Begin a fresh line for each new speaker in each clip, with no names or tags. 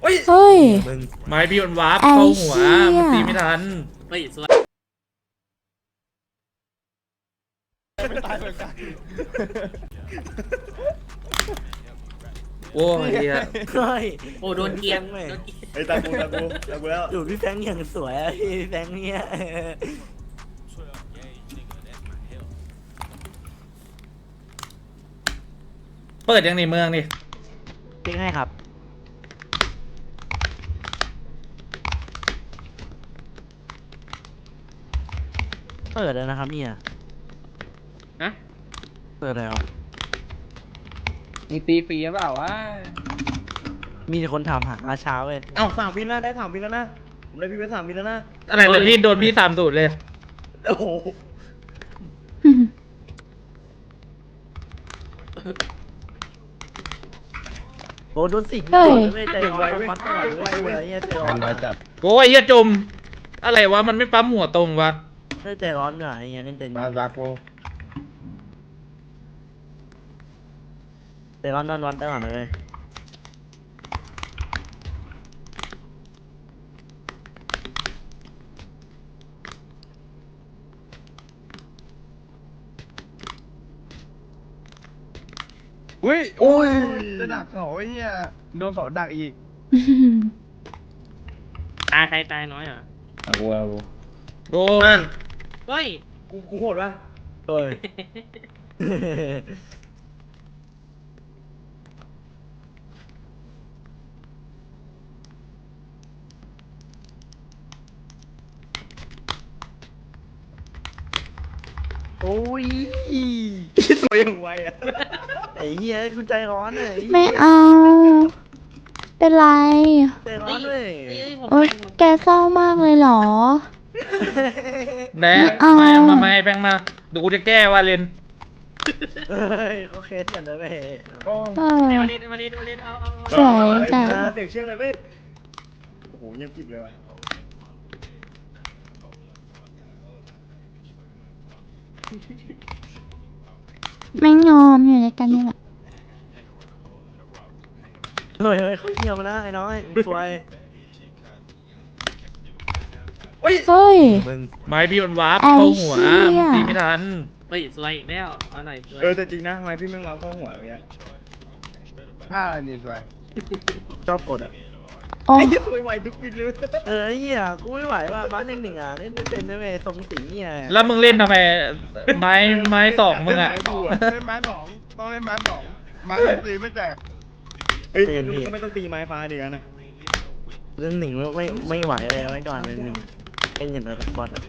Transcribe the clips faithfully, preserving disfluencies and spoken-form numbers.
เฮ้ย
ไม้พี่มันวาร์ปเข้าหัวมันตีไม่ทันเฮ้ยสวยไม่ตายเหมือนกันโอ้ยเฮีย
เฮ้ย
โอ้โดนเกียง
เลย
ไอ้ตากูตากูตากูแล้ว
ดูพี่แฟงอย่างสวยอะพี่แฟงเนี่ย
เปิดยังในเมืองนี่
เจ๊งให้ครับเปิดแล้วนะครับเนี่ย
นะ
เปิดแล้ว
มีตีฟรีหรือเปล่าวะ
มีแต่คนถามหาอาเช้าเลย
เอ้าสามวินแล้วได้สามวินแล้วนะผมได้พี่ไปสามวินแล้วนะ
อะไรแต่พี่โดนพี่สามสูตรเลย
โอ้โห
โอ้โดนสิง
เฮ้ย
ไม่ใจร้อนฟัดตลอดเลยเนี่ยใจร้อน
มาจับ
โอ้ยเฮียจม อะไรวะมันไม่ปั๊มหัวตรงวะ
ไม่ใจร้อนหน่อยอย่างเงี้ยใจร้
มา
อน
จับกู
ใจร้อนนอนวันตลอดเลย
อุ้ยโอ้ยจะดักเสาไอ้เหี้ยโดนเสาดักอีก
ตายใครตายน้อยเหรอ
เอากูเอากู
โอ้นั่น
เฮ้ยกูกูโหดป่ะ
เฮ้ย โอ้ย
สวยอย่างไวอ่ะ
ไอ้เหี้ยคุณใจร้อนเลย
ไม่เอา เป็นไร
ใจร้อนเลย
โอ๊ยแกเศร้ามากเลยเหรอ
แหนะ
เอา
มามามาให้แบงค์มาเดี๋ยวกูจะแก้ว่าเลน
เฮ้ยเขาเคสกันเลยเว้ย
โอ้
เออ
มาเลนมาเลนมาเลนเอาเอา
สวยจัง
เด็กเชื่องเลยเว้ยโอ้โหยังกิบเลยว่ะ
ไม่ยอมอยู่ในกันนี่แหละ
เฮ้ยเฮ้ยเขาเที่ยวมาแล้วไอ้น้อยสวย
เฮ้ย
มึง
ไม้พี่มันวาร์ป
ไอ้
เข้าหัว
เหี้ย
มันตีไม่ทันเฮ้ยสวยอีกแล้วเอาหน่อยสวย
เออแต่จริงนะทำไมพี่แม่งรับเข้าหัวอย่างเงี้ยผ้าอะไรนี่สวย
ชอบกดอ่ะ
โอ้
ไอ้เหี้ยสวยไวทุกวินเลย
เออไอ้เหี้ยกูไม่ไหวว่ะบ้านหนึ่งหนึ่งอ่ะเล่นไม่เป็นนะเว้ยสมศรีเนี่ย
แล้วมึงเล่นทำไมไม้ไม้สองมึงอะ
เล่นไม้สองต้องเล่นไม้สองไม้ตีไม่แตกเฮ้ยก็ไม่ต้องตีไม้ฟ้าดีกันนะ
เรื่องหนึ่งไม่ไม่ไหวเลยไว้ก่อนเลยหนึ่งเป็นอย่างไรบอลอ่ะ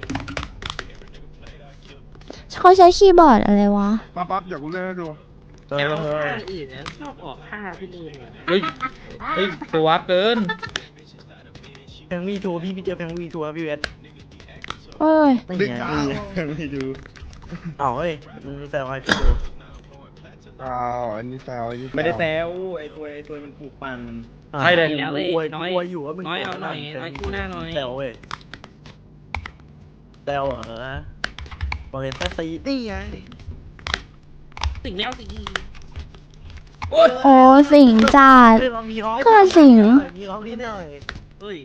เขาใช้คีย์บอร์ดอะไรวะ
ปั๊บปั๊บเดี๋ยวกูเล่นให้ดู
เออเออ
อื่นนะชอบออกท่าพี่ลืมเฮ้ยเฮ้ยตัวเกิน
แพงวีทัวร์พี่พี่เจอแพงวีทัวร์พี่เวส
เฮ้ย
ไม่
ดึก
เห็น
อ้าวไม่ดู
อ๋อเฮ้ยมันแซวไอ้พี่ดู
อ้าวอันนี้แซวอันนี้ไม่ได้แซวไอ้ตัวไอ้ตัวมันปลูกปั่น
ใช่เลย
แล้วอวยอวยอยู่ว่ามึง
น้อยเอาหน่อยน้อยกู้หน้าหน่อย
แซวเว้ยแซวเหรอบอกเลยแค่ซีนี่ไง
สิงแล้วสิ
โอ้สิงจัด
เฮ้ยเรามีร้อง
ก็สิง
มีร้องนิดหน่อย
เฮ้ย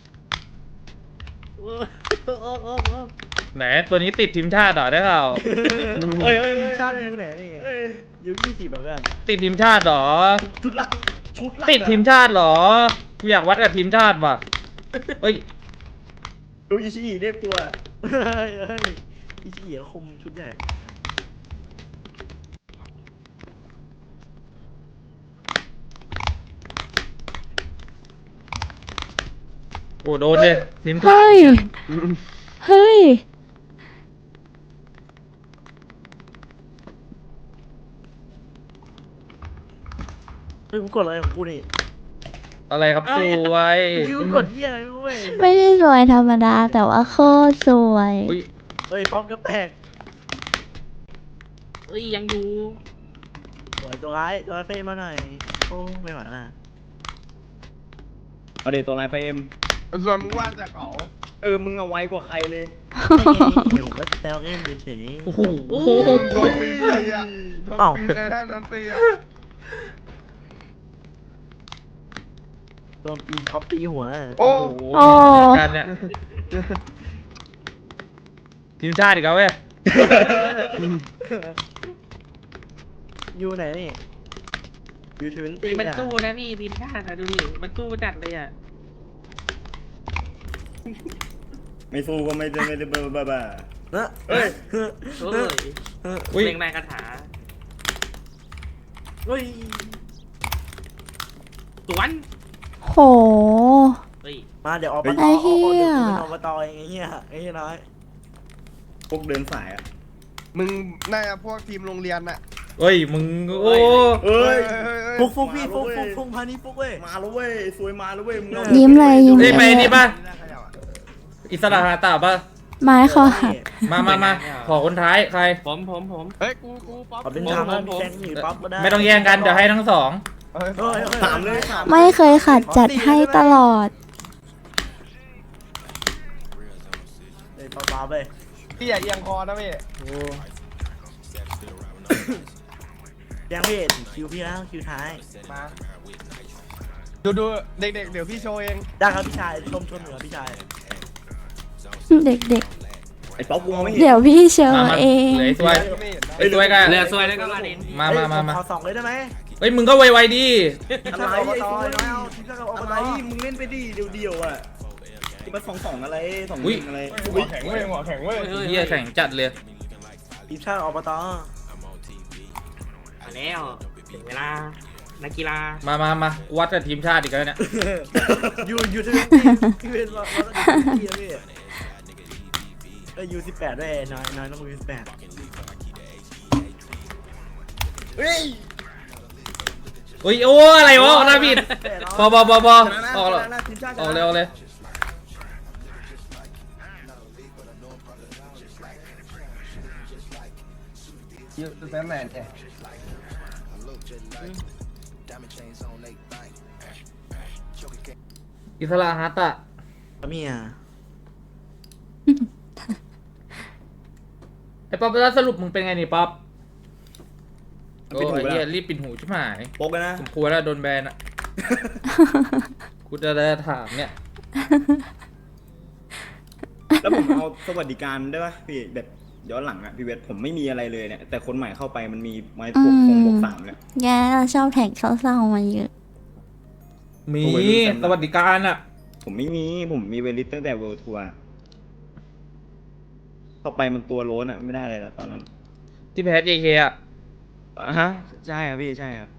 ไหนตัวนี้ติดทีมชาติเหรอได้เปล่า
เฮ้ยเฮ้ยชาติไหนนี่ยูยี่สิบแบบนั้น
ติดทีมชาติเหรอ
ชุดละชุดละ
ติดทีมชาติเหรอกูอยากวัดกับทีมชาติว่ะเฮ้ย
ดูอิชิอิเรียกตัว
เฮ้ยเฮ้ยอีเหี้ยคมชุดใหญ่
โอ้โดนเลยทีมชา
เฮ้
ติ
ย เฮ้ย
เฮ้ยกูกดอะไรของกูนี่
อะไรครับสวย
กูกดเหี้ยอะไรเว้ย
ไม่ได้สวยธรรมดา แต่ว่าโคตรสวย
อุ้ย
เฮ้ยป้อมก็แตก
เอ้ยยังอยู่
สวยตัวร้ายตัวร้ายเฟรมมาหน่อยโอ้ไม่ไหวละ
เอาเดี๋ยวตัวลายไฟเอ็มส่วนมึงว่าจากเขาเออมึงเอาไวกว่าใครเลย
เดี๋ยวผมก็แซวเล่นเฉย
โอ้โห
โดนตีเลยอ่ะโดนตีเลยนะโดนตีอ่ะ
ๆสโดนปีท็อปตีหัว
โอ้
โอ้
กันเนี่ยทีมชาติอีกแล้วเว้ย
อยู่ไหนนี่อยู่ทวินตี้
มันสู้นะนี่ทีมชาติอะดูดิมันสู้จัดเลยอ่ะ
ไม่สู้ก็ไม่ได้ไม่ได้บ้าบ้าบ้า
เฮ้ย
เฮ้ย
โอ้ย
อุ้ย
เล่งแรงคาถา
เฮ้ย
สวน
โห
เฮ้ย
มาเดี๋ยวออก
ไอ้เหี้ย
เดี๋ยวกูเป็นอบตเองไอ้เหี้ยไอ้เหี้ยน้อย
พวกเดินสายอ่ะ
มึงน่าจะพวกทีมโรงเรียนน่ะ
เฮ้ยมึงโอ้
เอ้ย
ฟุกฟุกพี่ฟุกฟุกฟุกพานี้ฟุกเว้ย
มาแล้วเว้ยสวยมาแล้วเว้ยมึงเอา
ยิ้มเลยยิ้ม
เฮ้ยไป
เลย
นี่ป่ะอิสระฮาตาป่ะ
ไม้คอหัก
มามามาขอคนท้ายใคร
ผมผมผม
เฮ้ย กูกูป๊อป
ขอเป็นทางแล้วมีแซงหนีป๊อปก็ได้
ไม่ต้องแย่งกันเดี๋ยวให้ทั้งสอง
เฮ้ย
เฮ้ยเฮ้ย
ถามเลยถาม
ไม่เคยขัดจัดให้ตลอด
เฮ้ยป๊อปๆเว้ย
พี่อย่าเอียงคอนะพี่
โอ้ยังพี่คิวพี่แล้วคิวท้าย
มาดูดูเด็กๆ เดี๋ยวพี่โชว์เอง
ได้ครับพี่ชายชมชมเหนือพี่ชาย
เด็ก
ไอ้ป๊อปกูมองไม่
ๆ
เห็น
เดี๋ยวพี่เชอ
มามา
เอง
เหลือไอ้สวย
ไม่เห็นนะ
ไอ้สวยกัน
เหลือซวยแล้วก็มาดิน
มามามามา
ขอสองเลยได้ไหม
เฮ้ยมึงก็ไวๆดิ
ทีมชาติอบตน้อยเอาทีมชาติอบ
อะไร
ต
มึงเล่นไปดิเดียวๆอ่ะที่มาสองสองอะไรสองห
อุ๊ย
นึ่งอะไร
หัวแข็งเว้ยหัวแข็งเว้ย
เฮียแข่งจัดเลย
ทีมชาติอบต
มาแล้วถึงเวลานักกีฬา
มามามาวัดกับทีมชาติอีกแล้วเนี่ย
อยู่อยู่ทวินตี้พี่เป็นเราเราต้องอยู่ทวินตี้นะพี่เออยูสิบแปดด้วยน้อยน้อยต้องยูสิบแปด
เฮ้ย
อุ้ยโอ้อะไรวะหน้าผิดพอพอพอพอออกแล้ว
ชนะทีมชาติช
อ
นะ
อกเลยออกเลย
ยูแซมแมนเนี่ย
อิสระฮาตะ
เมีย
ไอ้ป๊อปแล้วสรุปมึงเป็นไงนี่ป๊อป
มัน
โอ้
ปิดหู
ย
ไป
เฮีย
แล้ว
รีบปิดหูชิบหาย
โป๊กกันนะ
ผมกลัวแล้วโดนแบนอ่ะ กูจะได้ถามเนี่ย
แล้วผมเอาสวัสดิการได้ป่ะพี่แบบย้อนหลังอ่ะพี่เวทผมไม่มีอะไรเลยเนี่ยแต่คนใหม่เข้าไปมันมีไม้พวกคงบวกสามเนี่ย
แกเราชอบแท็กเศร้าๆมาเยอะ
มี
โอ้ยดูแซม
สวัสดิการอ่ะ
ผมไม่มีผมมีเวลิสตั้งแต่เวิลด์ทัวร์เข้าไปมันตัวโล้นอ่ะไม่ได้เลยแล้วตอนนั้น
ที่แพ้เจเคอ่ะ
อ่ะฮะใช่ครับพี่ใช่ครับ